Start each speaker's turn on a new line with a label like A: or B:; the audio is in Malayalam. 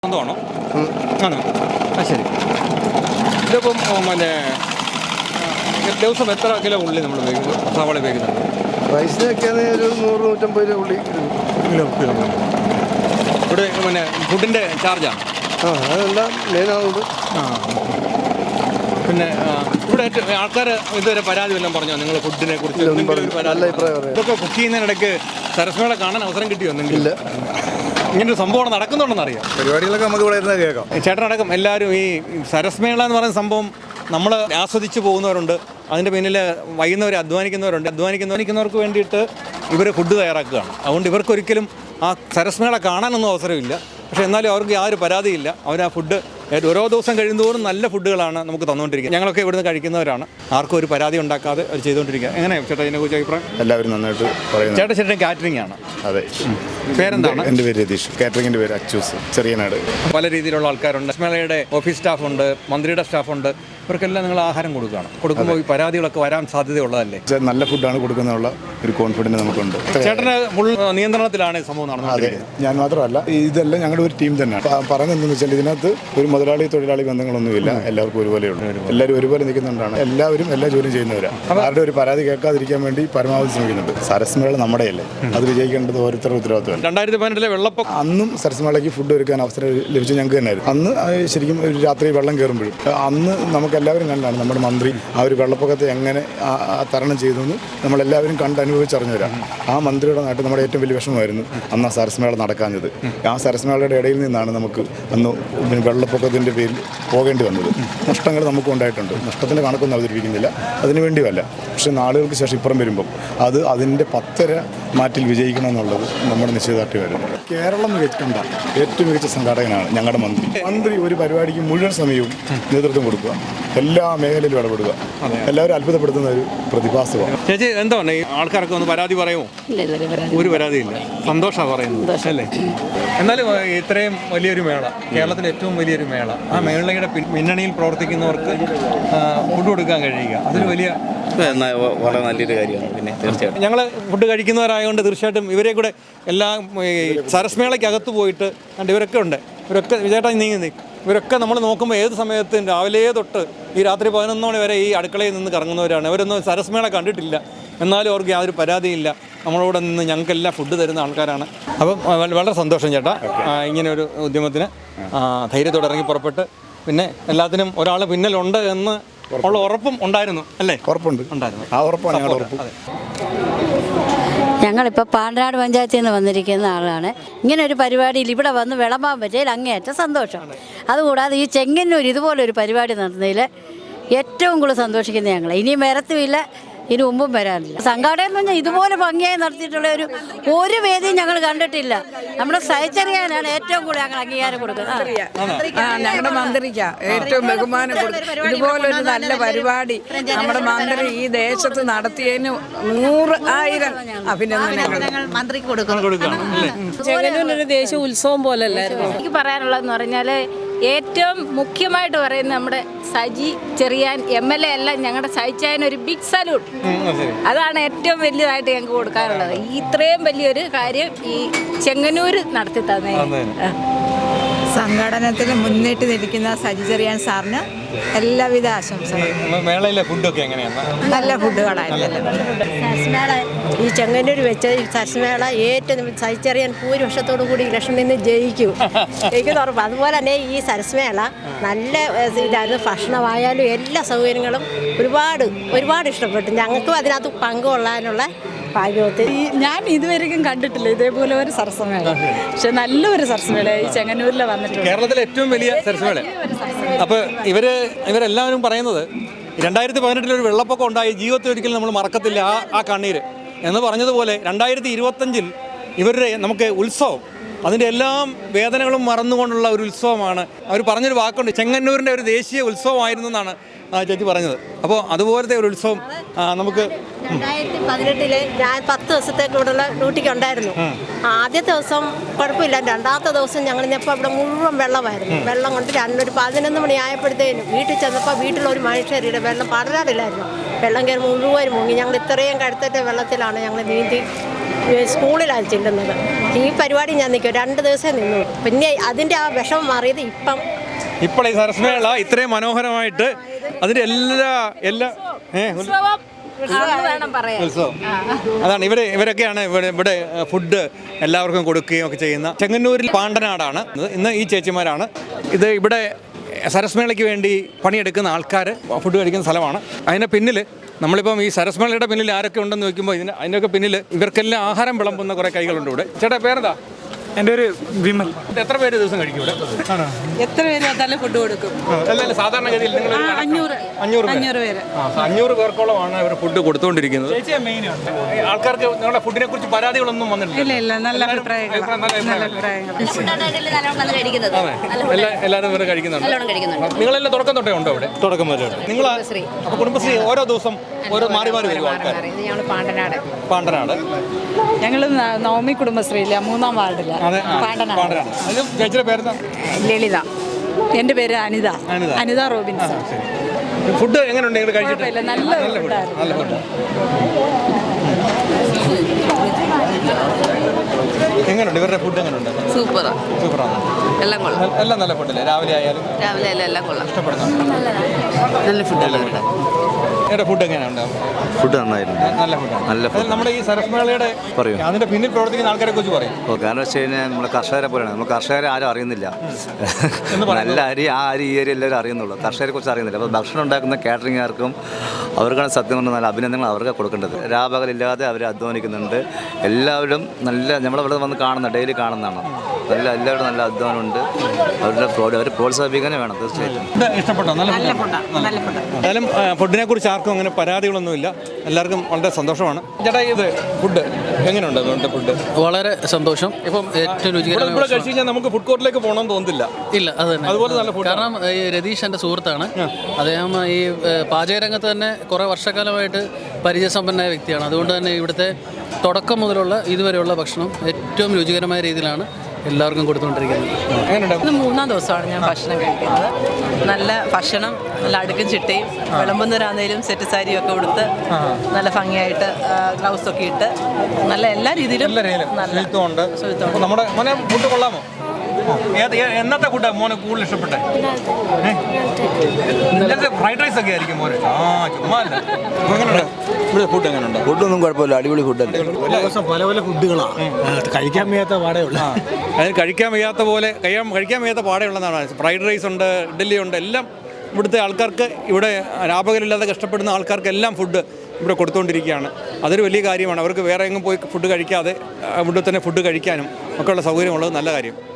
A: ആണോ? ആണോ? ആ ശരി. ഇതിപ്പം പിന്നെ ദിവസം എത്ര കിലോ ഉള്ളി നമ്മൾ ഉപയോഗിക്കുന്നു, സവാള ഉപയോഗിക്കുന്നുണ്ട്?
B: പൈസയൊക്കെയാണ് ഒരു 100-150 രൂപ ഉള്ളി
A: കിലോ. ഇവിടെ പിന്നെ ഫുഡിൻ്റെ ചാർജാണ്.
B: അതെല്ലാം മെയിനാണുണ്ട്.
A: പിന്നെ ഇവിടെ ആൾക്കാർ ഇതുവരെ പരാതി വല്ലതും പറഞ്ഞോ നിങ്ങൾ ഫുഡിനെ കുറിച്ച്?
B: നല്ല അഭിപ്രായം.
A: ഇതൊക്കെ കുക്ക് ചെയ്യുന്നതിനിടയ്ക്ക് സരസ്മേള കാണാൻ അവസരം കിട്ടിയോ എന്തെങ്കിലും?
B: ഇല്ല.
A: ഇങ്ങനൊരു സംഭവം നടക്കുന്നുണ്ടെന്ന് അറിയാം.
B: പരിപാടികളൊക്കെ നമുക്ക് ഇവിടെ ഇരുന്ന് കേൾക്കാം.
A: ചേട്ടനടക്കം എല്ലാവരും ഈ സരസ്മേള എന്ന് പറയുന്ന സംഭവം നമ്മൾ ആസ്വദിച്ച് പോകുന്നവരുണ്ട്, അതിൻ്റെ പിന്നിൽ വൈകുന്നവർ അധ്വാനിക്കുന്നവർക്ക് വേണ്ടിയിട്ട് ഇവർ ഫുഡ് തയ്യാറാക്കുകയാണ്. അതുകൊണ്ട് ഇവർക്കൊരിക്കലും ആ സരസ്മേള കാണാനൊന്നും അവസരമില്ല. പക്ഷേ എന്നാലും അവർക്ക് യാതൊരു പരാതിയില്ല. അവർ ആ ഫുഡ് ഓരോ ദിവസം കഴിയുന്നതോറും നല്ല ഫുഡുകളാണ് നമുക്ക് തന്നുകൊണ്ടിരിക്കുക. ഞങ്ങളൊക്കെ ഇവിടുന്ന് കഴിക്കുന്നവരാണ്. ആർക്കും ഒരു പരാതി ഉണ്ടാക്കാതെ അവർ ചെയ്തുകൊണ്ടിരിക്കുക. എങ്ങനെയാണ് ചേട്ടാ ഇതിനെക്കുറിച്ച് അഭിപ്രായം?
C: എല്ലാവരും നന്നായിട്ട് പറയുന്നു.
A: ചേട്ടൻ കാറ്ററിംഗ് ആണ്.
C: അതെ.
A: പേരെന്താണ്?
C: എൻ്റെ പേര് രതീഷ്. കാറ്ററിംഗിൻ്റെ പേര് അച്ചൂസ്, ചെറിയനാട്.
A: പല രീതിയിലുള്ള ആൾക്കാരുണ്ട്. സരസ്മേളയുടെ ഓഫീസ് സ്റ്റാഫുണ്ട്, മന്ത്രിയുടെ സ്റ്റാഫുണ്ട്. ഇവർക്കെല്ലാം നിങ്ങൾ ആഹാരം കൊടുക്കുമ്പോൾ ഈ പരാതികളൊക്കെ വരാൻ സാധ്യതയുള്ളതല്ലേ?
C: നല്ല ഫുഡാണ് കൊടുക്കുന്നതിനുള്ള ഒരു കോൺഫിഡൻസ് നമുക്കുണ്ട്.
A: ചേട്ടന് ഫുൾ നിയന്ത്രണത്തിലാണ് ഈ സംഭവം നടന്നത്.
C: അതെ, ഞാൻ മാത്രമല്ല, ഇതെല്ലാം ഞങ്ങളുടെ ഒരു ടീം തന്നെയാണ്. പറഞ്ഞതെന്ന് വെച്ചാൽ ഇതിനകത്ത് ഒരു മുതലാളി തൊഴിലാളി ബന്ധങ്ങളൊന്നുമില്ല. എല്ലാവർക്കും ഒരുപോലെയുള്ളൂ. എല്ലാവരും ഒരുപോലെ നിൽക്കുന്നുണ്ടാണ്. എല്ലാവരും എല്ലാ ജോലിയും ചെയ്യുന്നവരാണ്. ആരുടെ ഒരു പരാതി കേൾക്കാതിരിക്കാൻ വേണ്ടി പരമാവധി ശ്രമിക്കുന്നുണ്ട്. സരസ്മേള നമ്മുടെയല്ലേ, അത് വിജയിക്കേണ്ടത് ഓരോരുത്തരുടെ ഉത്തരവാദിത്വമാണ്.
A: 2018 വെള്ളപ്പൊക്കം
C: അന്നും സരസ്മേളയ്ക്ക് ഫുഡ് ഒരുക്കാൻ അവസരം ലഭിച്ചത് ഞങ്ങൾക്ക് തന്നെയായിരുന്നു. അന്ന് ശരിക്കും ഒരു രാത്രി വെള്ളം കയറുമ്പോഴും അന്ന് നമുക്കെല്ലാവരും കണ്ടാണ് നമ്മുടെ മന്ത്രി ആ ഒരു വെള്ളപ്പൊക്കത്തെ എങ്ങനെ തരണം ചെയ്തു എന്ന് നമ്മളെല്ലാവരും അനുഭവിച്ചറിഞ്ഞവരാണ്. ആ മന്ത്രിയുടെ നാട്ടിൽ നമ്മുടെ ഏറ്റവും വലിയ വിഷമമായിരുന്നു അന്ന് ആ സരസ്മേള നടക്കാഞ്ഞത്. ആ സരസ്മേളയുടെ ഇടയിൽ നിന്നാണ് നമുക്ക് അന്ന് വെള്ളപ്പൊക്കത്തിൻ്റെ പേരിൽ പോകേണ്ടി വന്നത്. നഷ്ടങ്ങൾ നമുക്കും ഉണ്ടായിട്ടുണ്ട്. നഷ്ടത്തിൻ്റെ കണക്കൊന്നും അവതരിപ്പിക്കുന്നില്ല, അതിനു വേണ്ടിയല്ല. പക്ഷേ നാളുകൾക്ക് ശേഷം ഇപ്പുറം വരുമ്പം അതിൻ്റെ 10 മാറ്റിൽ വിജയിക്കണമെന്നുള്ളത് നമ്മുടെ നിശ്ചയദാർഢ്യമായിരുന്നു. കേരളം കണ്ട ഏറ്റവും മികച്ച സംഘാടകനാണ് ഞങ്ങളുടെ മന്ത്രി. ഒരു പരിപാടിക്ക് മുഴുവൻ സമയവും നേതൃത്വം കൊടുക്കുക, എല്ലാ മേഖലയിലും ഇടപെടുക, എല്ലാവരും അത്ഭുതപ്പെടുത്തുന്ന ഒരു പ്രതിഭാസമാണ്.
A: ചേച്ചി, എന്താണ് ഈ ആൾക്കാരൊക്കെ ഒന്ന് പരാതി പറയുമോ? ഒരു പരാതിയില്ല. സന്തോഷമാണ് പറയുന്നത് അല്ലേ? എന്നാലും ഇത്രയും വലിയൊരു മേള, കേരളത്തിലെ ഏറ്റവും വലിയൊരു മേള, ആ മേളയുടെ പിന്നണിയിൽ പ്രവർത്തിക്കുന്നവർക്ക് ഫുഡ് കൊടുക്കാൻ കഴിയുക, അതൊരു വലിയ
D: വളരെ നല്ലൊരു കാര്യമാണ്. പിന്നെ തീർച്ചയായിട്ടും ഞങ്ങൾ
A: ഫുഡ് കഴിക്കുന്നവരായതുകൊണ്ട് തീർച്ചയായിട്ടും ഇവരെ കൂടെ എല്ലാം സരസ്മേളയ്ക്കകത്ത് പോയിട്ട് ഇവരൊക്കെ ഉണ്ട്. ഇവരൊക്കെ ചേട്ടാ ഇവരൊക്കെ നമ്മൾ നോക്കുമ്പോൾ ഏത് സമയത്തും രാവിലെ തൊട്ട് ഈ രാത്രി 11 മണി വരെ ഈ അടുക്കളയിൽ നിന്ന് കറങ്ങുന്നവരാണ്. അവരൊന്നും സരസ്മേള കണ്ടിട്ടില്ല, എന്നാലും അവർക്ക് യാതൊരു പരാതിയില്ല. നമ്മളോട് നിന്ന് ഞങ്ങൾക്കെല്ലാം ഫുഡ് തരുന്ന ആൾക്കാരാണ്. അപ്പം വളരെ സന്തോഷം ചേട്ടാ, ഇങ്ങനെ ഒരു ഉദ്യമത്തിന് ധൈര്യത്തോടെ ഇറങ്ങി പുറപ്പെട്ട്. പിന്നെ എല്ലാത്തിനും ഒരാൾ പിന്നിലുണ്ട് എന്ന് ഉള്ള ഉറപ്പും ഉണ്ടായിരുന്നു അല്ലേ?
C: ഉറപ്പുണ്ട്, ഉണ്ടായിരുന്നു. ആ ഉറപ്പാണ് ഞങ്ങളുടെ ഉറപ്പ്.
E: ഞങ്ങളിപ്പോൾ പാണ്ടനാട് പഞ്ചായത്തിൽ നിന്ന് വന്നിരിക്കുന്ന ആളാണ്. ഇങ്ങനെ ഒരു പരിപാടിയിൽ ഇവിടെ വന്ന് വിളമ്പാൻ പറ്റിയതിൽ അങ്ങേയറ്റം സന്തോഷം. അതുകൂടാതെ ഈ ചെങ്ങന്നൂർ ഇതുപോലൊരു പരിപാടി നടന്നതിൽ ഏറ്റവും കൂടുതൽ സന്തോഷിക്കുന്നത് ഞങ്ങൾ. ഇനിയും വരത്തുമില്ല, ഇനി മുമ്പും വരാനില്ല. സംഘാടനം എന്ന് പറഞ്ഞാൽ ഇതുപോലെ ഭംഗിയായി നടത്തിയിട്ടുള്ള ഒരു വേദിയും ഞങ്ങൾ കണ്ടിട്ടില്ല. നമ്മുടെ സഹചര്യാനാണ് ഏറ്റവും കൂടുതൽ ഞങ്ങൾ അംഗീകാരം കൊടുക്കുന്നത്.
F: ഞങ്ങളുടെ മന്ത്രിക്കാ ഏറ്റവും ബഹുമാനം കൊടുക്കും. ഇതുപോലൊരു നല്ല പരിപാടി നമ്മുടെ മന്ത്രി ഈ ദേശത്ത് നടത്തിയതിന് 100,000 അഭിനന്ദനങ്ങൾ
E: മന്ത്രിക്ക് കൊടുക്കണം.
G: ചെങ്ങന്നൂരിനൊരു ദേശീയ ഉത്സവം പോലല്ലായിരുന്നു.
H: എനിക്ക് പറയാനുള്ളതെന്ന് പറഞ്ഞാൽ ഏറ്റവും മുഖ്യമായിട്ട് പറയുന്നത് നമ്മുടെ സജി ചെറിയാൻ MLA എല്ലാം ഞങ്ങളുടെ സഹിച്ചാൻ ഒരു ബിഗ് സല്യൂട്ട്. അതാണ് ഏറ്റവും വലിയതായിട്ട് ഞങ്ങൾക്ക് കൊടുക്കാനുള്ളത്. ഇത്രയും വലിയൊരു കാര്യം ഈ ചെങ്ങന്നൂർ നടത്തി തന്നെ.
F: സംഘടനത്തിൽ മുന്നിട്ട് നിൽക്കുന്ന സജി ചെറിയാൻ സാറിന് എല്ലാവിധ ആശംസകളും.
A: മേളയിലെ ഫുഡൊക്കെ എങ്ങനെയാണ്?
F: നല്ല ഫുഡുകളായിരുന്നു.
E: ഈ ചെങ്ങന്നൂർ വെച്ച സരസ്മേള ഏറ്റവും സഹിച്ചറിയാൻ ഭൂരിപക്ഷത്തോടു കൂടി ഇലക്ഷനിൽ നിന്ന് ജയിക്കുന്ന ഉറപ്പ്. അതുപോലെ തന്നെ ഈ സരസ്മേള നല്ല ഇതായിരുന്നു. ഭക്ഷണമായാലും എല്ലാ സൗകര്യങ്ങളും ഒരുപാട് ഇഷ്ടപ്പെട്ടു. ഞങ്ങൾക്കും അതിനകത്ത് പങ്കുകൊള്ളാനുള്ള ഭാഗ്യവത്തിൽ.
G: ഞാൻ ഇതുവരെയും കണ്ടിട്ടില്ല ഇതേപോലെ ഒരു സരസ്മേള. പക്ഷെ നല്ലൊരു സരസ്മേള ഈ ചെങ്ങന്നൂരിൽ വന്നിട്ടുണ്ട്.
A: കേരളത്തിലെ ഏറ്റവും വലിയ സരസ്മേള. അപ്പോൾ ഇവരെല്ലാവരും പറയുന്നത് 2018 ഒരു വെള്ളപ്പൊക്കം ഉണ്ടായി, ജീവിതത്തിൽ ഒരിക്കലും നമ്മൾ മറക്കത്തില്ല ആ കണ്ണീര് എന്ന് പറഞ്ഞതുപോലെ 2025 ഇവരുടെ നമുക്ക് ഉത്സവം, അതിൻ്റെ എല്ലാം വേദനകളും മറന്നുകൊണ്ടുള്ള ഒരു ഉത്സവമാണ്. അവർ പറഞ്ഞൊരു വാക്കുണ്ട്, ചെങ്ങന്നൂരിൻ്റെ ഒരു ദേശീയ ഉത്സവമായിരുന്നു എന്നാണ് ചേച്ചി പറഞ്ഞത്. അപ്പോൾ അതുപോലത്തെ ഒരു ഉത്സവം നമുക്ക്
E: 2018 ഞാൻ 10 ദിവസത്തേക്ക് ഇവിടെയുള്ള ഡ്യൂട്ടിക്ക് ഉണ്ടായിരുന്നു. ആദ്യത്തെ ദിവസം കുഴപ്പമില്ല. രണ്ടാമത്തെ ദിവസം ഞങ്ങൾ ഇന്നിപ്പോൾ ഇവിടെ മുഴുവൻ വെള്ളമായിരുന്നു. വെള്ളം കൊണ്ട് 11 മണി ആയപ്പോഴത്തേനും വീട്ടിൽ ചെന്നപ്പോൾ വീട്ടിലൊരു മനുഷ്യരുടെ വെള്ളം പടരാറില്ലായിരുന്നു. വെള്ളം കയറി മുഴുവൻ മുങ്ങി. ഞങ്ങൾ ഇത്രയും കഴുത്തറ്റ വെള്ളത്തിലാണ് ഞങ്ങൾ നീന്തി സ്കൂളിലാണ് ചെല്ലുന്നത്.
I: ഈ പരിപാടി ഞാൻ നിൽക്കും 2 ദിവസം നിന്നു. പിന്നെ അതിൻ്റെ ആ വിഷമം മാറിയത്
A: ഇപ്പോൾ ഈ സരസ്മേള ഇത്രയും മനോഹരമായിട്ട് അതിൻ്റെ എല്ലാ
H: വേണം പറയാൻ.
A: ഉത്സവം അതാണ് ഇവരൊക്കെയാണ് ഇവിടെ ഫുഡ് എല്ലാവർക്കും കൊടുക്കുകയും ഒക്കെ ചെയ്യുന്ന ചെങ്ങന്നൂരിൽ പാണ്ടനാടാണ് ഇന്ന് ഈ ചേച്ചിമാരാണ് ഇത് ഇവിടെ സരസ്മേളയ്ക്ക് വേണ്ടി പണിയെടുക്കുന്ന ആൾക്കാർ ഫുഡ് കഴിക്കുന്ന സ്ഥലമാണ്. അതിൻ്റെ പിന്നിൽ നമ്മളിപ്പം ഈ സരസ്മേളയുടെ പിന്നിൽ ആരൊക്കെ ഉണ്ടെന്ന് ചോദിക്കുമ്പോൾ അതിൻ്റെയൊക്കെ പിന്നിൽ ഇവർക്കെല്ലാം ആഹാരം വിളമ്പുന്ന കുറേ കൈകളുണ്ട് ഇവിടെ. ചേട്ടാ പേരെന്താ?
J: എൻ്റെ ഒരു വിമൽ.
A: എത്ര പേര് ദിവസം കഴിക്കും ഇവിടെ?
G: എത്ര പേര് നല്ല ഫുഡ് കൊടുക്കും?
A: അല്ലല്ല, സാധാരണഗതിയിൽ നിങ്ങൾ
G: 500 പേര്
A: 500 പേർക്കോളമാണ് ഇവർ ഫുഡ് കൊടുത്തുകൊണ്ടിരിക്കുന്നത്. ആൾക്കാർക്ക് നിങ്ങളുടെ ഫുഡിനെ കുറിച്ച് പരാതികളൊന്നും വന്നിട്ടില്ല?
G: ഇല്ല, നല്ല അഭിപ്രായങ്ങൾ.
A: എല്ലാവരും ഇവർ കഴിക്കുന്നുണ്ട്. നിങ്ങളെല്ലാം തുടക്കം തൊട്ടേ ഉണ്ടോ ഇവിടെ?
J: തുടക്കം വരെ
A: നിങ്ങൾ അപ്പോൾ കുടുംബശ്രീ ഓരോ ദിവസം ഓരോ മാറി വരും ആൾക്കാർ? പാണ്ടനാട്.
G: ഞങ്ങൾ നവമി കുടുംബശ്രീയില്ല, 3-ാം വാർഡില്ല.
A: ചേച്ചിയുടെ പേരെന്താ?
G: ലളിത. എൻ്റെ പേര് അനിത റോബിൻസൺ.
A: ഫുഡ് എങ്ങനെയുണ്ട് നിങ്ങൾ കഴിച്ചിട്ട്?
G: നല്ല ഫുഡ്.
A: എങ്ങനെയുണ്ട് ഇവരുടെ ഫുഡ്? എങ്ങനെയുണ്ട്? സൂപ്പറാണ്. എല്ലാം നല്ല ഫുഡല്ലേ? രാവിലെ ആയാലും
H: എല്ലാം കൊള്ളാം.
A: ഇഷ്ടപ്പെടുന്നുണ്ട്.
H: നല്ല ഫുഡല്ലേ?
A: ഇവിടെ ഫുഡ് എങ്ങനെയുണ്ട്?
K: ഫുഡ് നന്നായിരുന്നു.
A: നല്ല ഫുഡ്. നമ്മുടെ ഈ സരസ്മേളയുടെ അതിന്റെ പിന്നിൽ പ്രവർത്തിക്കുന്ന ആൾക്കാരെ കുറിച്ച് പറയും.
K: കാരണം വെച്ച് കഴിഞ്ഞാൽ നമ്മൾ കർഷകരെ പോലെയാണ്. നമ്മൾ കർഷകരെ ആരും അറിയുന്നില്ല. നല്ല അരി ഈ ഏരിയ എല്ലാവരും അറിയുന്നുള്ളൂ. കർഷകരെ കുറിച്ച് അറിയുന്നില്ല. അപ്പോൾ ഭക്ഷണം ഉണ്ടാക്കുന്ന കാറ്ററിംഗുകാർക്കും അവർക്കാണ് സത്യം പറഞ്ഞാൽ നല്ല അഭിനന്ദനങ്ങൾ അവർക്ക് കൊടുക്കേണ്ടത്. രാപകലില്ലാതെ അവർ അധ്വാനിക്കുന്നുണ്ട്. എല്ലാവരും നമ്മളിവിടെ വന്ന് ഡെയിലി കാണുന്നതാണ്. എല്ലാവരും നല്ല അധ്വാനമുണ്ട്. അവർ പ്രോത്സാഹിപ്പിക്കാനേ വേണം തീർച്ചയായിട്ടും.
A: ഇഷ്ടപ്പെട്ടോ? നല്ല ഫുഡ്. എന്തായാലും ഫുഡിനെ കുറിച്ച് ആർക്കും അങ്ങനെ പരാതികളൊന്നുമില്ല. എല്ലാവർക്കും വളരെ സന്തോഷമാണ്. ചേട്ടാ, ഇത് ഫുഡ് എങ്ങനെയുണ്ട്? ഫുഡ്
J: വളരെ സന്തോഷം. ഇപ്പം ഏറ്റവും രുചികരമായ
A: ഇവിടെ കഴിച്ചു കഴിഞ്ഞാൽ നമുക്ക് ഫുഡ് കോർട്ടിലേക്ക് പോകണമെന്ന് തോന്നുന്നില്ല.
J: ഇല്ല, അത് തന്നെ.
A: അതുപോലെ നല്ല ഫുഡ്.
J: കാരണം ഈ രതീഷ് എൻ്റെ സുഹൃത്താണ്. അദ്ദേഹം ഈ പാചകരംഗത്ത് തന്നെ കുറേ വർഷക്കാലമായിട്ട് പരിചയസമ്പന്നമായ വ്യക്തിയാണ്. അതുകൊണ്ട് തന്നെ ഇവിടുത്തെ തുടക്കം മുതലുള്ള ഇതുവരെയുള്ള ഭക്ഷണം ഏറ്റവും രുചികരമായ രീതിയിലാണ് എല്ലാവർക്കും കൊടുത്തുകൊണ്ടിരിക്കുന്നത്.
G: ഇത് 3-ാം ദിവസമാണ് ഞാൻ ഭക്ഷണം കഴിക്കുന്നത്. നല്ല ഭക്ഷണം, നല്ല അടുക്കും ചിട്ടയും, വിളമ്പുന്നവരാന്നേലും സെറ്റ് സാരിയും ഒക്കെ കൊടുത്ത് നല്ല ഭംഗിയായിട്ട് ഗ്ലൗസൊക്കെ ഇട്ട് നല്ല എല്ലാ രീതിയിലും
A: നമ്മുടെ മോനെ ഫുഡ് കൊള്ളാമോ? എന്നത്തെ ഫുഡാണ് മോനെ കൂടുതൽ ഇഷ്ടപ്പെട്ടെ? ഫ്രൈഡ് റൈസ് ഒക്കെ ആയിരിക്കും മോനെ. ചുമ്മാ അല്ല. ഇവിടെ ഫുഡ് എങ്ങനെയുണ്ട്?
B: ഫുഡൊന്നും കുഴപ്പമില്ല, അടിപൊളി ഫുഡല്ലേ.
J: പല ഫുഡുകളാണ് കഴിക്കാൻ വയ്യാത്ത പാടെയുള്ള.
A: അതിന് കഴിക്കാൻ വയ്യാത്ത പാടെയുള്ളതാണ്. ഫ്രൈഡ് റൈസ് ഉണ്ട്, ഇഡ്ഡലി ഉണ്ട്, എല്ലാം ഇവിടുത്തെ ആൾക്കാർക്ക്, ഇവിടെ രാപകലില്ലാതെ കഷ്ടപ്പെടുന്ന ആൾക്കാർക്കെല്ലാം ഫുഡ് ഇവിടെ കൊടുത്തുകൊണ്ടിരിക്കുകയാണ്. അതൊരു വലിയ കാര്യമാണ്. അവർക്ക് വേറെ എങ്ങും പോയി ഫുഡ് കഴിക്കാതെ ഇവിടെ തന്നെ ഫുഡ് കഴിക്കാനും ഒക്കെയുള്ള സൗകര്യമുള്ളത് നല്ല കാര്യം.